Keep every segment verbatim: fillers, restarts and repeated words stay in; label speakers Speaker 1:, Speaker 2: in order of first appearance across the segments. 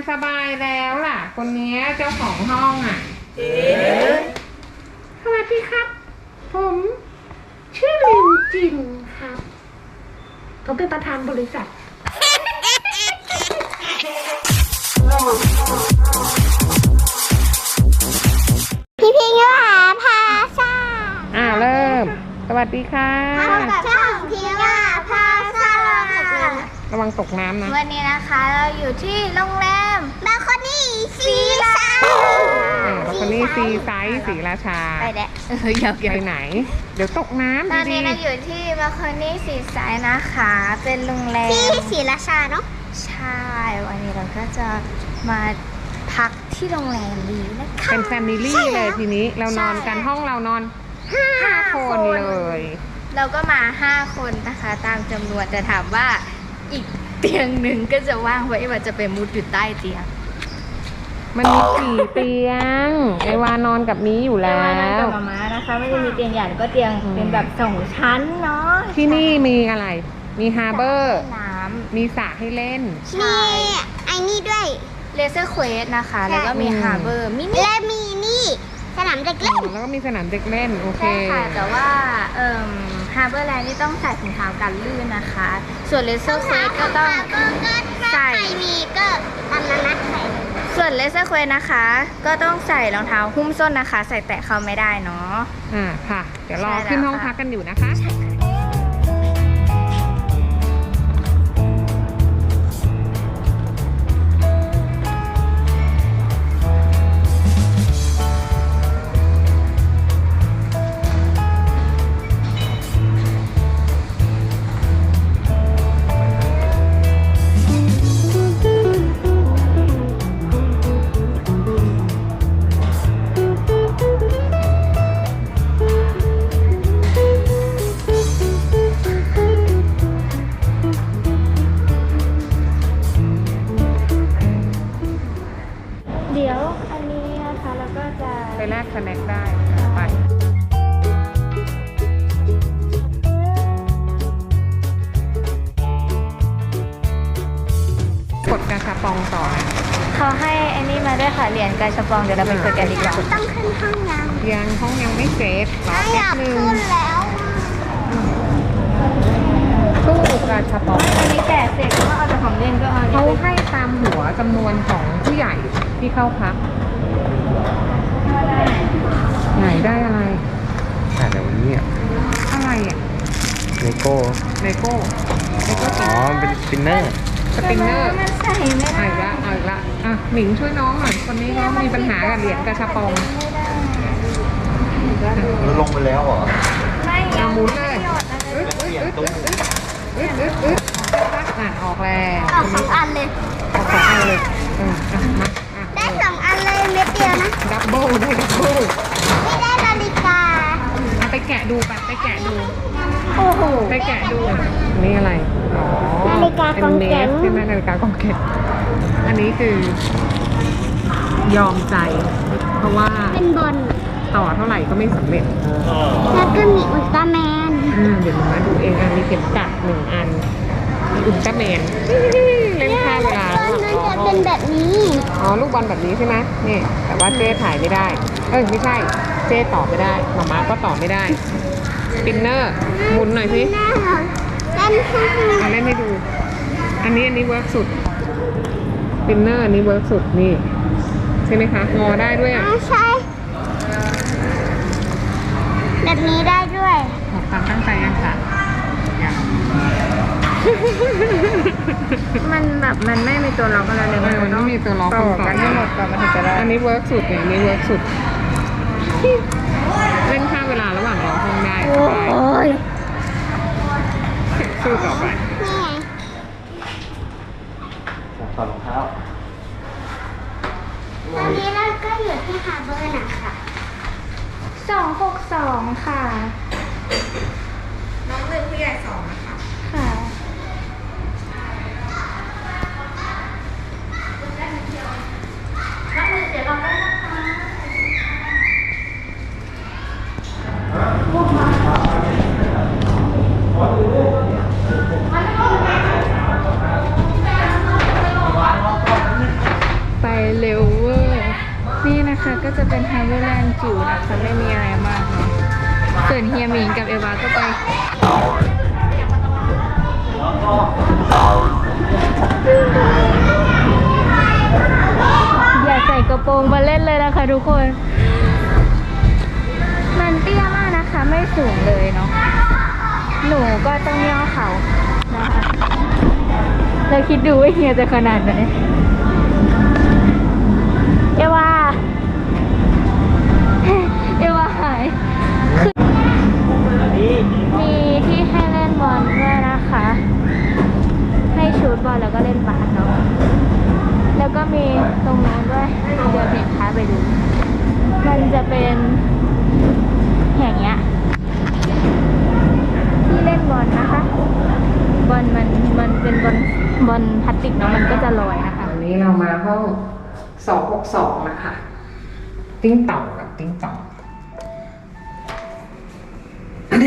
Speaker 1: สบายแล้วล่ะคนนี้เจ้าของห้องอ่ะเอ๊ะสวัสดีครับผมชื่อลิวจินครับผมเป็นประธานบริษัท
Speaker 2: พี่พิงค์หาพาซา
Speaker 1: อ่าเริ่มสวัสดีค่ะ
Speaker 2: ช่องพิงค์หาพาซา
Speaker 1: ระวังตกน้ำนะ
Speaker 2: วันนี้นะคะเราอยู่ที่โรงแรมบาคอนี่ซีไซด์
Speaker 1: บาคอนี่ซีไซด์ศรีราชา
Speaker 2: ไปแดะ
Speaker 1: อยากไปไหนเดี๋ยวตกน้ำ
Speaker 2: ตอนนี้เราอยู่ที่บาคอนี่ซีไซด์นะคะเป็นโรงแรมที่ศรีราชาเนาะใช่วันนี้เราก็จะมาพักที่โรงแรมนี้นะคะ
Speaker 1: เป็นแฟมิลี่เลยทีนี้เรานอนกันห้องเรานอนห้าคนเลย
Speaker 2: เราก็มาห้าคนนะคะตามจำนวนแต่ถามว่าอีกเตียงหนึ่งก็จะว่างไว้ว่าจะไปมุดอยู่ใต้เตียง
Speaker 1: มันมีสี่เตียงไอวานอนกับนี้อยู่แล้วไอวานอน
Speaker 2: กับมาม่านะคะไม่ได้มีเตียงใหญ่ก็เตียงเป็นแบบสองชั้นเนาะ
Speaker 1: ที่นี่มีอะไรมีฮาร์เบอร์น้ำมีสระให้เล่น
Speaker 2: มีไอ้นี่ด้วยเลเซอร์เควสนะคะแล้วก็มีฮาร์เบอร์มินิและมีนี่สนามเด็กเล่น
Speaker 1: แล้วก็มีสนามเด็กเล่นโอเค
Speaker 2: ใช่ค่ะแต่ว่าเอ่อฮาร์เบอร์แลนด์นี่ต้องใส่ถุงเท้ากันลื่นนะคะส่วนเลเซอร์เควสก็ต้องใส่มีก็ตามนั้นนะใส่ส่วนเลเซอร์เควสนะคะก็ต้องใส่รองเท้าหุ้มส้นนะคะใส่แตะเข้าไม่ได้เนาะ
Speaker 1: อ่าค่ะเดี๋ยวรอขึ้นห้องพักกันอยู่นะคะไปแลกสแน็คได้ไปกดกาชาปองต่อนะ
Speaker 2: เขาให้อันนี้มาด้วยค่ะเหรียญกาชาปองเดี๋ยวเราไปกดกันดีกว่าต้องขึ้นห้องยัง
Speaker 1: ยังห้องยังไม่เสร็จรอแป๊บนึงตู้กาชาปอง
Speaker 2: อันนี้แจกเสร็จก็เอาแต่ของเล่นก็เอา
Speaker 1: เขาให้ตามหัวจำนวนของผู้ใหญ่ที่เข้าพักไหนได้อะไร
Speaker 3: อ่าเดี๋ยววันนี้อ่ะ
Speaker 1: อะไรอ่ะ
Speaker 3: ไนโก้
Speaker 1: ไนโก้ไนโก้
Speaker 3: อ๋อเป็นสปินเนอร์
Speaker 1: สปินเนอร์
Speaker 2: มันใส่ไม่ได้
Speaker 1: เอาอีกละเอาอีกละอ่ะหมิงช่วยน้องหน่อยคนนี้เขามีปัญหากับเหรียญกระชับปอง
Speaker 3: ลงไปแล้วเหรอ
Speaker 2: ไม่
Speaker 1: เอาหมุนเลยอึ๊ดอึ๊ดอึ๊ดอึ๊ดอึ๊ดอึ๊ดอ่ะออกแล้ว
Speaker 2: ออกสองอันเลย
Speaker 1: ออกสองอันเลยเอออ่ะมา
Speaker 2: ได้สองอันเลยเม็ดเดียวนะ
Speaker 1: ดับเบิลได้ดับเบิล
Speaker 2: ไม่ได้นาฬิกา
Speaker 1: ไปแกะดูไปไปแกะดู
Speaker 2: โอ้โห
Speaker 1: ไปแกะดูนี่อะไรอ๋อ
Speaker 2: นาฬิกากองแกง
Speaker 1: ใช่ไหมนาฬิกากองแกงอันนี้คือยอมใจเพราะว่า
Speaker 2: เป็นบอล
Speaker 1: ต่อเท่าไหร่ก็ไม่สำเร็จ
Speaker 2: แล้วก็มีอุลตร้าแมน
Speaker 1: อ่าเดี๋ยวมาดูเองอ่ะมีเข็มกัดหนึ่งอันมีอุลตร้าแมนเล่นข้าวเวลา
Speaker 2: มันจะเป็นแบบนี้
Speaker 1: อ๋อลูกบอลแบบนี้ใช่ไหมนี่แต่ว่าเจ๊ถ่ายไม่ได้เอ้ยไม่ใช่เจ๊ต่อไม่ได้หมาม่าก็ต่อไม่ได้สปินเนอร์หมุนหน่อยสิ
Speaker 2: เล่นให้
Speaker 1: เล่นให้ดูอันนี้อันนี้เวิร์กสุดสปินเนอร์อันนี้เวิร์กสุดนี่ใช่ไหมคะงอได้ด้วยอ่ะ
Speaker 2: ใช่แบบนี้ได้ด้วย
Speaker 1: ความตั้งใจยังค่ะยัง
Speaker 2: มันแบบมันไม่มีตัวล็อกอะไรเลย
Speaker 1: มันไม่มีตัวล็อก
Speaker 2: ต่อกันให้หมดก่อนมันถึงจะได้
Speaker 1: อันนี้เวิร์กสุดเนี่ยอันนี้เวิร์กสุดเล่นค่าเวลาระหว่างรอห้องได้
Speaker 2: โอ้ย
Speaker 1: สู้ต่อไป
Speaker 2: นี่ไง
Speaker 3: ถอดรองเท้า
Speaker 2: ตอนนี้เราก็อยู่ที่ฮาร์เบอร์นะคะสองหกสองค่ะ
Speaker 1: น้องหนึ่งผู้ใหญ่สองนะคะ
Speaker 2: ค่ะน้องหนึ่งเดี๋ยวเราได้นะคะนะคะก็จะเป็นฮาร์เวอร์แลนด์จิ๋วนะคะไม่มีอะไรมากเนาะส่วนเฮียหมิงกับเอวาก็ไปอย่าใส่กระโปรงมาเล่นเลยนะคะทุกคนมันเตี้ยมากนะคะไม่สูงเลยเนาะหนูก็ต้องย่อเขานะคะเราคิดดูว่าเฮียจะขนาดไหนเอวาเอวาหายมีที่ให้เล่นบอลด้วยนะคะให้ชูตบอลแล้วก็เล่นบาสเนาะแล้วก็มีตรงนู้นด้วยเดี๋ยวเพจค้าไปดูมันจะเป็นอย่างเงี้ยที่เล่นบอลนะคะบอลมันมันเป็นบอลบอลพลาสติกเนาะมันก็จะลอยนะคะ
Speaker 1: วันนี้เรามาห้องสองหกสองนะคะ ติ้งต่องกับติ้งต่องเด้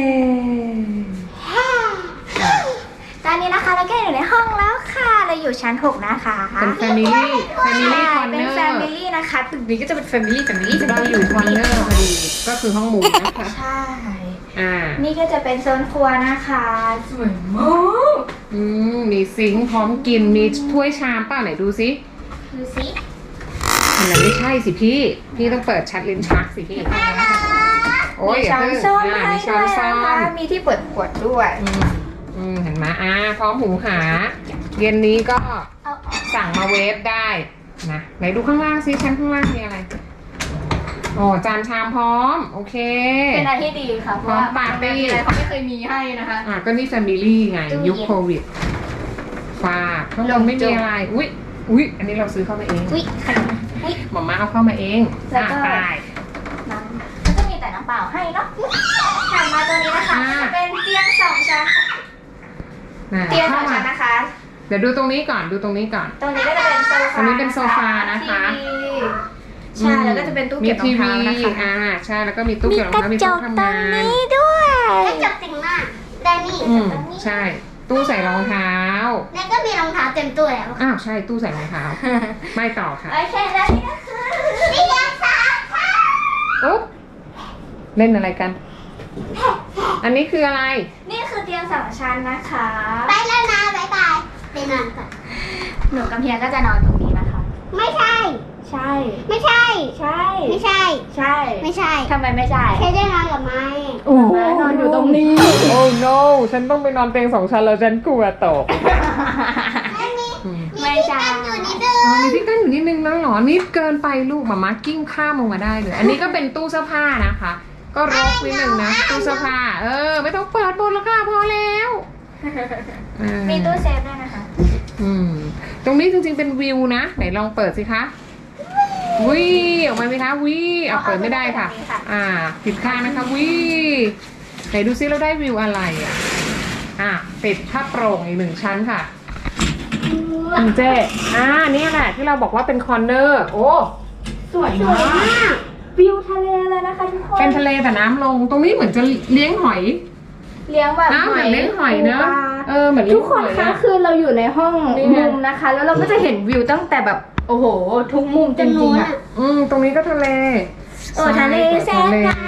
Speaker 2: ตอนนี้นะคะเราก็อยู่ในห้องแล้วค่ะเราอยู่ชั้นหกนะคะ
Speaker 1: เป็นแฟมิลี่แฟมิลี่คอนเน
Speaker 2: เป็น
Speaker 1: อ
Speaker 2: แฟ
Speaker 1: ร์
Speaker 2: มิลี่นะคะตึกนี้ก็จะเป็นแฟมิลี่แฟมิลี่
Speaker 1: เราอยู่คอนเนอร์พอดีก็คือห้องหมูนะคะ
Speaker 2: ใช่
Speaker 1: อ่า
Speaker 2: นี่ก็จะเป็นโซนครัวนะคะสวยมาก
Speaker 1: อืมมีซิงค์พร้อมกินมีถ้วยชามเปล่าไหนดูซิ
Speaker 2: ดูสิ
Speaker 1: อันนั้นไม่ใช่สิพี่ พี่ต้องเปิดชัดลิ้นชักสิพี่โอ้ย
Speaker 2: มี
Speaker 1: อย่า
Speaker 2: ช้อน
Speaker 1: เพิ่ง
Speaker 2: ส้อม
Speaker 1: อ่า
Speaker 2: ให้
Speaker 1: มีช้
Speaker 2: ด้
Speaker 1: อ
Speaker 2: วน ย
Speaker 1: ส้อ
Speaker 2: นะคะ
Speaker 1: ม
Speaker 2: มีที่เปิดขวดด้วย
Speaker 1: อืมอืมเห็นไหมอ่าพร้อมหูหา เย็นนี้ก็
Speaker 2: เอาออก
Speaker 1: สั่งมาเวฟได้นะไหนดูข้างล่างซิชั้นข้างล่างมีอะไรโอ้จานชามพร้อม โอเค
Speaker 2: เป็นอะไรที่ดีค่ะเพราะว่า
Speaker 1: พร้อมปาร์ตี้
Speaker 2: อะไรเขาไม่เคยมีให้นะคะ
Speaker 1: อ่ะก็นี่แฟมิลี่ไง
Speaker 2: ตู้เย็น
Speaker 1: ยุคโควิดฝากข้างบนไม่มีอะไร อุ๊ยอุ๊ยอันนี้เราซื้อเข้ามาเอง
Speaker 2: อุ้ยขนมอุ้ย
Speaker 1: หมอมาเอาเข้ามาเอง
Speaker 2: แล้วก็
Speaker 1: อ่ะไป
Speaker 2: น้ำแล้วก็มีแต่น้ำเปล่าให้เนาะถัดมาตัวนี้นะคะ
Speaker 1: อ่า
Speaker 2: จะเป็นเตียงสองชั้น
Speaker 1: น่ะ
Speaker 2: เตียงส
Speaker 1: เข้า
Speaker 2: อง
Speaker 1: มา
Speaker 2: ชั้นนะคะ
Speaker 1: เดี๋ยวดูตรงนี้ก่อนดูตรงนี้ก่อน
Speaker 2: ตรงนี้ก็จะเป็นโซฟา
Speaker 1: ตรงนี้เป็นโซฟานะคะ
Speaker 2: ทีวีใช่แล้วก็จะเป็นตู้เก็บรองเท้านะคะ
Speaker 1: มีทีวีอ่าใช่แล้วก็มีตู้เก็บรองเท้ามีตู้ทำงาน
Speaker 2: ด้วย
Speaker 4: กระจกติ่งมากแต่นี่
Speaker 1: อืมใช่ ตู้ใส่รองเท้า
Speaker 4: แล้วก็มีรองเท้าเต็มตัวแล้ว
Speaker 1: อ้าวใช่ตู้ใส่รองเท้า ไม่ต่อค่ะ
Speaker 2: โอเคแล้วนี่ก็คือ
Speaker 4: เตียงสามชั้น
Speaker 1: อุ๊บเล่นอะไรกัน อันนี้คืออะไร
Speaker 2: นี่คือเตียงสองชั้นนะคะ
Speaker 4: ไปแล้วนะบ๊ายบายไปนอนก่อน
Speaker 2: หนูกับเฮียก็จะนอนตรงนี้นะคะ
Speaker 4: ไม่ใช่
Speaker 2: ใช่
Speaker 4: ไม่ใช่
Speaker 2: ใช่
Speaker 4: ไม่ใช่
Speaker 2: ใช่
Speaker 4: ไม่ใช่
Speaker 2: ทำไมไม่ใช่
Speaker 4: แค่ได้นอนกับไม้
Speaker 1: โอ้
Speaker 2: นอนอยู่ตรงนี้
Speaker 1: โอ้ no ฉันต้องไปนอนเตียงสองชั้นแล้วฉันกลัวตก
Speaker 4: ไม่มี
Speaker 1: อืม
Speaker 4: มี
Speaker 2: ไม่
Speaker 4: ที่
Speaker 2: ใช่
Speaker 4: กั้นอยู่นิดนึง
Speaker 1: อ๋อมีที่กั้นอยู่นิดนึงแล้วเหรอนิดเกินไปลูกหมามากิ้งข้ามลงมาได้เลย อันนี้ก็เป็นตู้เสื้อผ้านะคะ ก็รกนิดนึงนะตู้เสื้อผ้า เออ ไม่ต้องเปิดบนแล้วค่ะพอแล้วเออ
Speaker 2: มีตู้เซฟด้วยนะคะ
Speaker 1: อืมตรงนี้จริงๆเป็นวิวนะ ไหนลองเปิดสิคะวิออกมาไหมคะวิอ่ะเปิดไม่ได้ค่ะ อ่า ผิดข้างนะคะวิไหนดูซิเราได้วิวอะไรอ่ะ อ่ะติดผ้าโปร่งอีกหนึ่งชั้นค่ะคุณเจ๊อ่านี่แหละที่เราบอกว่าเป็นคอร์เนอร์โอ้สวย
Speaker 4: สวย
Speaker 1: มาก
Speaker 4: มาก
Speaker 2: วิวทะเลเลยนะคะทุกคน
Speaker 1: เป็นทะเลแต่น้ำลง ตรงนี้เหมือนจะเลี้ยงหอย
Speaker 2: เลี้ยงแบบ
Speaker 1: น้ำเหมือนเลี้ยงหอยเนอะ
Speaker 2: ปูปลา
Speaker 1: เออเหมือนเลี้
Speaker 2: ทุ
Speaker 1: ย
Speaker 2: ก
Speaker 1: ง
Speaker 2: ค
Speaker 1: ห
Speaker 2: น
Speaker 1: อย
Speaker 2: คะ
Speaker 1: อะ
Speaker 2: คือเราอยู่ในห้อง
Speaker 1: นี่ไง
Speaker 2: มุมนะคะ แล้วเราก็จะเห็นวิวตั้งแต่แบบโอ้โห ทุกมุมจริงๆอ่ะ
Speaker 1: อืมตรงนี้ก็ทะเล
Speaker 2: โอ้ทะเลแส
Speaker 1: ทะ
Speaker 2: น
Speaker 1: เล
Speaker 2: งาม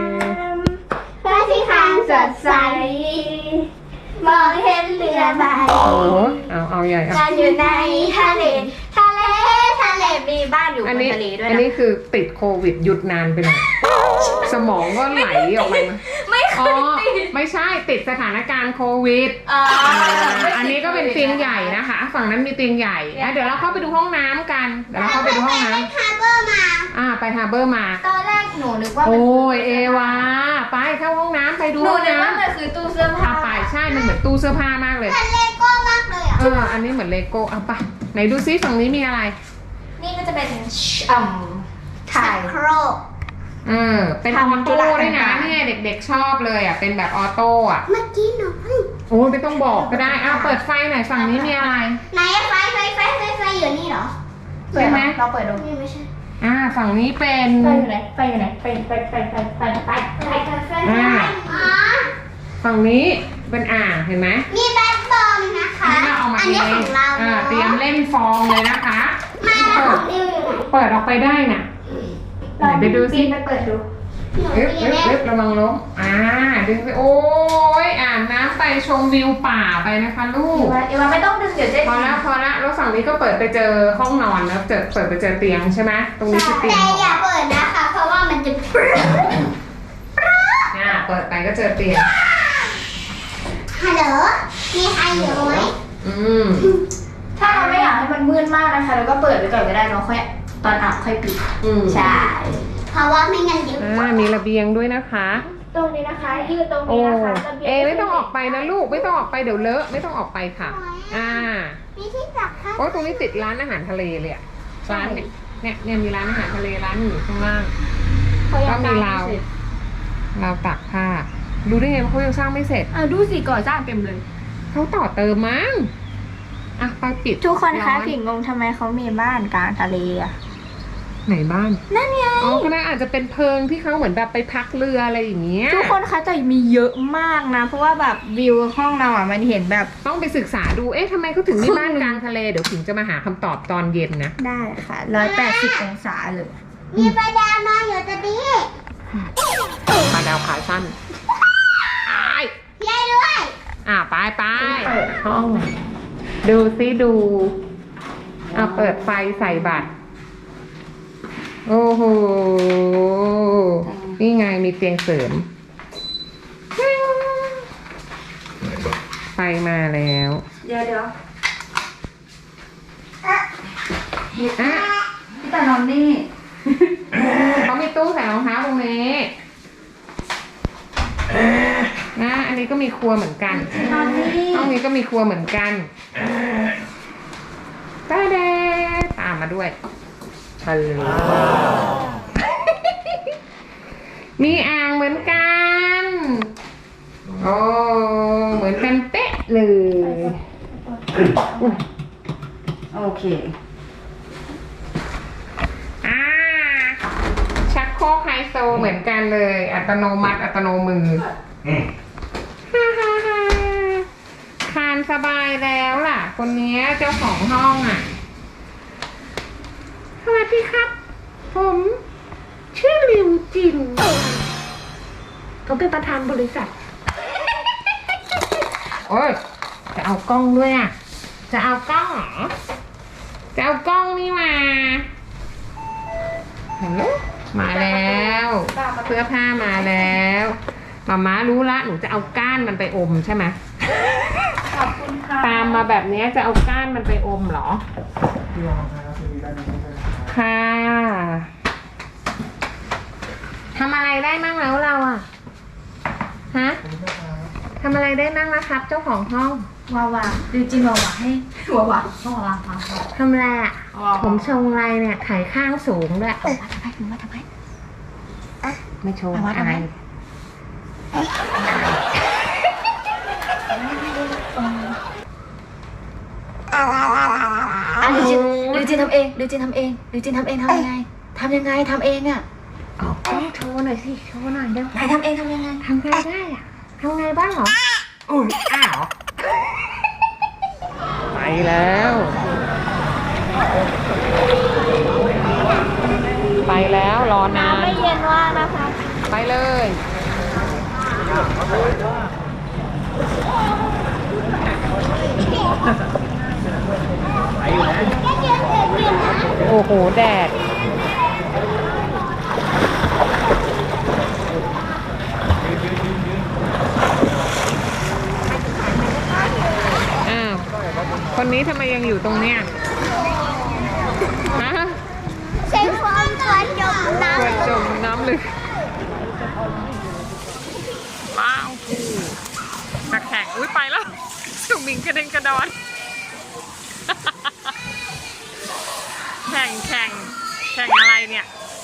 Speaker 4: พระอาทิตย์ทางสดใส มองเห็นเรือใบ
Speaker 1: โอ้เอาเอาใหญ่เอา
Speaker 2: การอยู่ในทะเล ทะเล ทะเล มีบ้านอยู่บ
Speaker 1: อัน
Speaker 2: น
Speaker 1: นี้
Speaker 2: ทะเลด้วย
Speaker 1: อัน
Speaker 2: นะ
Speaker 1: นี้คือติดโควิดหยุดนานไปหน่อยสมองก็ไหลออกมา
Speaker 2: ไม่เค
Speaker 1: อ๋อย
Speaker 2: ติด
Speaker 1: ไม่ใช่ติดสถานการณ์โควิด
Speaker 2: อ่า
Speaker 1: อ่าอันนี้ก็เป็นเตียงใหญ่นะคะ ฝั่งนั้นมีเตียงใหญ่อ่ะเดี๋ยวเราเข้าไปดูห้องน้ำกันเดี๋ยวเราเข้าไปดูห้องน้
Speaker 4: ไปฮาร์เบอร์มา
Speaker 1: ำอ่าไปฮาร์เบอร์มา
Speaker 2: ตอนแรกหนูนึกว่า
Speaker 1: โอ้
Speaker 2: เป็น
Speaker 1: ยเอวาไปเข้าห้องน้ำไปดู
Speaker 2: หนู
Speaker 1: ห้อง
Speaker 2: นึกว่า
Speaker 1: น้ำ
Speaker 2: มันคือตู้เสื้อ
Speaker 1: พา
Speaker 2: ผ้า
Speaker 1: ไปใช่มันเหมือนตู้เสื้อผ้ามากเลย
Speaker 4: เหมือนเลโก้มากเลยอ่ะ
Speaker 1: เอออันนี้เหมือนเลโก้เอาไปไหนดูซิฝั่งนี้มีอะไร
Speaker 2: นี่ก็จะเป็นอ่มถ่าย
Speaker 4: โครก
Speaker 1: เออเป็นออ
Speaker 2: ทำธุ
Speaker 1: โต้
Speaker 2: ระ
Speaker 1: ด้วยนะ
Speaker 2: ต่างๆ
Speaker 1: เนี่ยเด็กๆชอบเลยอ่ะเป็นแบบออโต้อ่ะ
Speaker 4: เมื่อกี้หนูเพิ่ง
Speaker 1: โอ้ยไม่ต้องบอกก็ได้อ้าวเปิดไฟหน่อยฝั่งนี้มีอะไร
Speaker 4: ไหนไฟไฟไฟไฟไฟอยู่นี่เหรอ
Speaker 1: ใช่ไหม
Speaker 2: เราเปิดดู
Speaker 4: นี่ไม่ใช่
Speaker 1: อ่าฝั่งนี้เป็น
Speaker 2: ไฟอยู่ไหนไฟอยู่ไหนไฟไฟไฟไฟไฟไฟ
Speaker 4: ไฟไฟไฟ
Speaker 1: อ่า
Speaker 4: อ๋อ
Speaker 1: ฝั่งนี้เป็นอ่างเห็นไหม
Speaker 4: มีแบทบอลนะคะ
Speaker 1: อันนี้เราเอามา
Speaker 4: อัน
Speaker 1: เอ
Speaker 4: นี้ของ งเรา
Speaker 1: อ่าเตรียมเล่นฟองเลยนะคะ
Speaker 4: มาแล้วของดิวอยู่ไหน
Speaker 1: เปิดออกไปได้น่ะ
Speaker 4: ม
Speaker 1: ไหนไปดูสิ
Speaker 2: ไปเปิดดู
Speaker 1: เอ๊บเอ๊บเอ๊บระวังล้มอ่าดึงไปโอ้ยอาบน้ำไปชมวิวป่าไปนะคะลูก
Speaker 2: เอวาไม่ต้องดึงเดี๋ยวเจ๊
Speaker 1: พอละพอละแล้วฝั่งนี้ก็เปิดไปเจอห้องนอนแล้วเจอเปิดไปเจอเตียงใช่ไหมตรงนี้คือเตียง
Speaker 4: แต่อย่าเปิดนะคะ เพราะว่ามันจะปรึ๊ด
Speaker 1: อ่าเปิดไปก็เจอเตียง
Speaker 4: ฮัลโหลมีใครอยู่ไหม
Speaker 1: อืม
Speaker 2: ถ้าเราไม่อยากให้มันมืดมากนะคะเราก็เปิดไปก่อนก็ได้เนาะค่อยตอนอาบค่อยปิด
Speaker 1: อืม
Speaker 2: ใช่
Speaker 4: เพราะว่าไม่งั้นเดี๋ยว
Speaker 1: อ่ามีระเบียงด้วยนะคะ
Speaker 2: ตรงนี้นะคะยืดตรง
Speaker 1: โอ้
Speaker 2: นี้นะคะระบียง
Speaker 1: เอไม่ต้องออกไปนะลูกไม่ต้องออกไปเดี๋ยวเลอะไม่ต้องออกไปค่ะ อ่า
Speaker 4: มีที่จับค่ะ
Speaker 1: โอ้ตรงนี้ติดร้านอาหารทะเลเลยอะร้านเนี่ยเนี่ยเนี่ยมีร้านอาหารทะเลร้านอยู่ข้างล่าง
Speaker 2: เขายั
Speaker 1: ก็
Speaker 2: ง
Speaker 1: มี
Speaker 2: สร้าง
Speaker 1: ราว
Speaker 2: ไม่เสร็จ
Speaker 1: ราวตากผ้าดูได้ไงว่าเขายังสร้างไม่เสร็จ
Speaker 2: อ่ะดูสิก่อสร้างเต็มเลย
Speaker 1: เขาต่อเติมมั้งอ่ะไปปิด
Speaker 2: ทุกคนคะ
Speaker 1: ร้อ
Speaker 2: ผิงงงทำไมเขามีบ้านกลางทะเลอ่ะ
Speaker 1: ไหนบ้าน
Speaker 2: นั่นไง
Speaker 1: อ๋อก็น่าอาจจะเป็นเพิงที่เขาเหมือนแบบไปพักเรืออะไรอย่างเงี้ย
Speaker 2: ทุกคนคะแต่มีเยอะมากนะ เพราะว่าแบบวิวห้องเราอ่ะมันเห็นแบบ
Speaker 1: ต้องไปศึกษาดูเอ๊ะทำไมเขาถึงมีบ้านกลางทะเลเดี๋ยวผิงจะมาหาคำตอบตอนเย็นนะ
Speaker 2: ได้ค่ะร้อยแปดสิบองศาเลย
Speaker 4: มีปลาดาวมาอยู่ตรงนี้
Speaker 1: ปลาดาวขาสั้นอ้าย
Speaker 4: ยายด้วย
Speaker 1: อ่ะไปไปห้อง ดูซิดูอ่ะเปิดไฟใส่บัตร โอ้โห นี่ไงมีเตียงเสริม ไฟมาแล้ว
Speaker 2: เดี๋ยวเดี๋ยว
Speaker 1: อ่ะ
Speaker 2: พี่ตานอนนี่
Speaker 1: เขามีตู้ใส่รองเท้าตรงนี้นะอันนี้ก็มีครัวเหมือนกัน
Speaker 2: นอนนี่
Speaker 1: ห้องนี้ก็มีครัวเหมือนกันตาเดตามมาด้วยฮัลโหลมีอ่างเหมือนกัน โอ้ เหมือนกันเป๊ะเลย
Speaker 2: โอเค
Speaker 1: อ่า ชักโครกไฮโซเหมือนกันเลย อัตโนมัติ อัตโนมือฮ่าฮ่าฮ่าทานสบายแล้วล่ะ คนนี้เจ้าของห้องอ่ะ สวัสดีครับ ผมชื่อลิวจินเขาเป็นประธานบริษัท โอ้ย จะเอากล้องด้วยอ่ะ จะเอากล้องเหรอ จะเอากล้องนี่มาฮัลโหลมาแล้ว เสื้อผ้ามาแล้วมาม่ารู้ละ หนูจะเอาก้านมันไปอมใช่ไหม
Speaker 2: ขอบคุณค่ะ
Speaker 1: ตามมาแบบนี้จะเอาก้านมันไปอมเหรอ ค่ะทำอะไรได้มั่งแล้วเราอ่ะ ฮะทำอะไรได้มั่งแล้วครับ เจ้าของห้อง
Speaker 2: วาวาดูจินวาวาให้วาวาต้องวาวาฟังก่อน
Speaker 1: ทำอะไรอ่ะ
Speaker 2: วาวา
Speaker 1: ผมชงอะไรเนี่ยไขข้างสูงด้วย
Speaker 2: ทำไมถึงว่าทำไม
Speaker 1: ไม่ชง
Speaker 2: เอาวะ
Speaker 1: อะไร
Speaker 2: ทำไม อ่ะดูจินดูจินทำเองดูจินทำเองดูจินทำเองทำยังไงทำยังไงทำเองอ่ะ
Speaker 1: เอากล้องโชว์หน่อยสิ โชว์หน่อยเร็ว
Speaker 2: ไหนทำเองทำยังไง
Speaker 1: ทำไงได้อ่ะทำไงบ้างเหรออุ้ยอ้าว ไปแล้ว ไปแล้วรอนาน
Speaker 2: ไม่เย็นว่ากนะคะ
Speaker 1: ไปเลย โอ้โห แดด อ้าว คนนี้ทำไมยังอยู่ตรงเนี้ยฮะ
Speaker 4: ใช้ฟองตัวจมน้
Speaker 1: กระจมน้ำลึกว้าวตะแข่งอุ้ยไปแล้วสุมิงกระเด็นกระดอน แข่งแข่งแข่งอะไรเนี่ย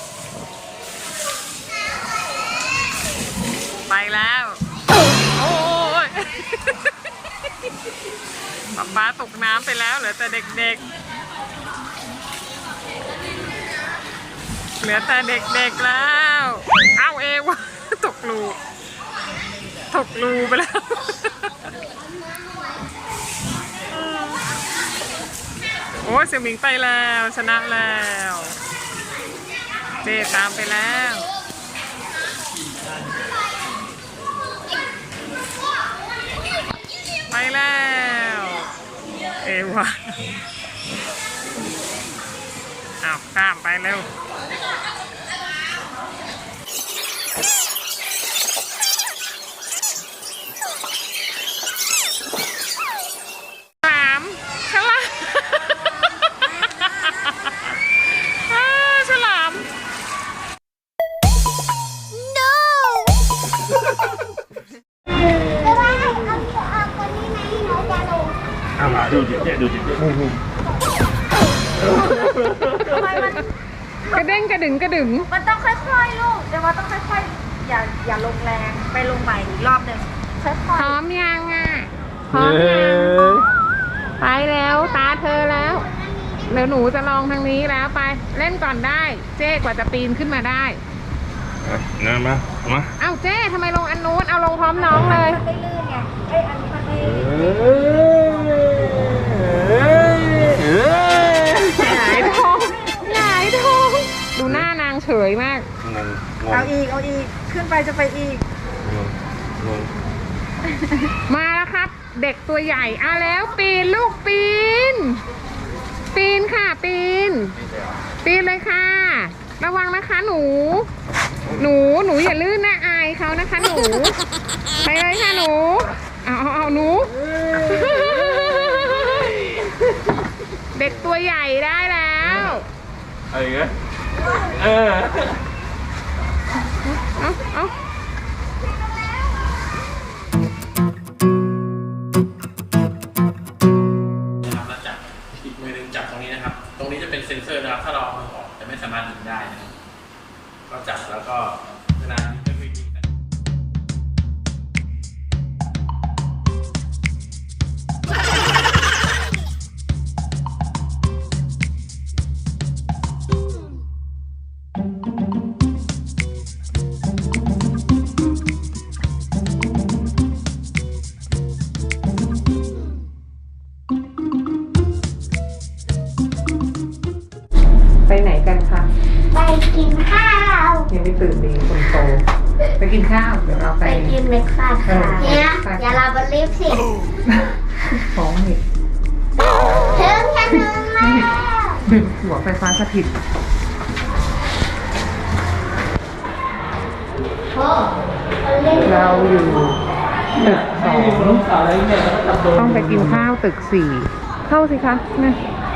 Speaker 1: ไปแล้ว โอ้ย ป๊าป๊าตกน้ำไปแล้วเหลือแต่เด็กๆ เหลือแต่เด็กๆแล้ว เอ้าเอวะ ตกรูตกรูไปแล้ว โอ้ยเสี่ยวหมิงไปแล้วชนะแล้วเจตามไปแล้ว ไปแล้ว เอวะอ้าวข้ามไปเร็วฉลามฉลามอ้าฉลาม
Speaker 4: ไม่ว่าเอาเอาคนนี้ไหมน้องจะลง
Speaker 3: เอามาดูจิตเจ๊ดูจิตเจ๊
Speaker 2: ทำไมมัน
Speaker 1: กระเด้งกระดึงกระดึง
Speaker 2: มันต้องค่อยๆลูกเดี๋ยวว่าต้องค่อยๆอย่าอย่าลงแรงไปลงใหม่อีกรอบหนึ่งค่อย
Speaker 1: พร้อมยังอ่ะ พร้อมยัง ไปแล้วตาเธอแล้ว เดี๋ยวหนูจะลองทางนี้แล้วไปเล่นก่อนได้ เจ๊กว่าจะปีนขึ้นมาได้
Speaker 3: นั่นมามา
Speaker 1: เอ้าเจ๊ทำไมลงอันนู้นเอาลงพร้อมน้องเลย
Speaker 2: ๆมันไม่ลื่นไงเอ้ยอันนี้มันไม่
Speaker 1: หงายท้องหงายท้องดูหน้านางเฉยมาก
Speaker 3: งงง
Speaker 2: เอา
Speaker 3: ง
Speaker 2: อีกเอาอีกขึ้นไปจะไปอีก
Speaker 3: งงงง
Speaker 1: มาแล้วครับ เด็กตัวใหญ่อ่ะแล้วปีนลูกปีน ปีนค่ะปีน ปีนเลยค่ะ ระวังนะคะหนู หนูหนูอย่าลื่นนะอายเขานะคะหนู ไปเลยค่ะหนู เอาเอาเอาหนู เด็กตัวใหญ่ได้แล้ว
Speaker 3: อะไรเงี้ยเออ
Speaker 1: เอาเอา
Speaker 5: นะครับแล้วจับอีกมือหนึงจับตรงนี้นะครับ ตรงนี้จะเป็นเซ็นเซอร์นะครับ ถ้าเราเอามือออกจะไม่สามารถดึงได้นะครับก็จับแล้วก็เวลาจะคุยยิงกัน
Speaker 1: ไปไหนกันคะ
Speaker 4: ไปกินข้าว
Speaker 1: ยังไม่ตื่นดีคนโต ไปกินข้าวเดี๋ยวเราไป
Speaker 2: ไปกินเบรกฟาสต์ค่ะ
Speaker 4: เนี่ยอย่าลาบนลิฟต์สิ
Speaker 1: ท้องนี่
Speaker 4: ถึงจะถึงแล้ว
Speaker 1: ดึงหัวไฟฟ้าสถิต
Speaker 4: โอ้คนเล่น
Speaker 1: เราอยู่ตึกสองต้องไปกินข้าวตึกสี่เข้าสิคะนะ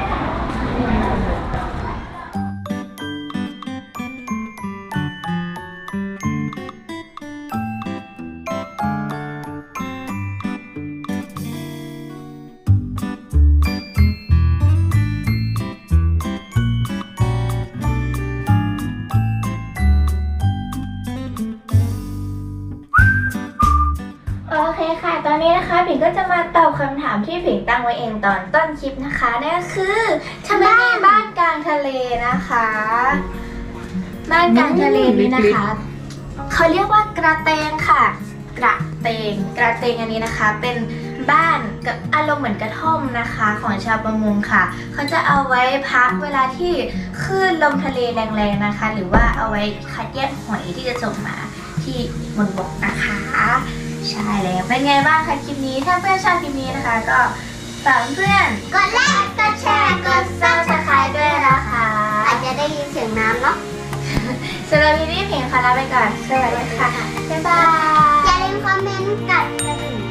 Speaker 2: โอเคค่ะ ตอนนี้นะคะผิงก็จะมาตอบคำถามที่ผิงตั้งไว้เองตอนต้นคลิปนะคะนั่นก็คือทำไมมีบ้านกลางทะเลนะคะ บ้านกลางทะเลนี้นะคะเขาเรียกว่ากระเตงค่ะ กระเตง กระเตงอันนี้นะคะ เป็นบ้านกับอารมณ์เหมือนกระท่อมนะคะ ของชาวประมงค่ะเขาจะเอาไว้พักเวลาที่คลื่นลมทะเลแรงๆนะคะ หรือว่าเอาไว้คัดแยกหอยที่จะส่งมาที่บนบกนะคะ ใช่แล้วเป็นไงบ้างคะคลิปนี้ถ้าเพื่อนชอบคลิปนี้นะคะ ก็ฝากเพื่อน
Speaker 4: กดไลค์กดแชร์กดซับสไครต์ด้วยนะคะอาจจะได้ยินเสียงน้ำเนาะ
Speaker 2: สำหรับคลิปนี้เพียงขอลาไปก่อนสวัสดีค่ะบ๊ายบาย
Speaker 4: อย่าลืมคอมเมนต์กันกระดิ่ง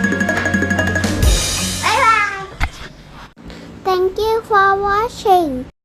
Speaker 4: บ๊ายบาย Thank you for watching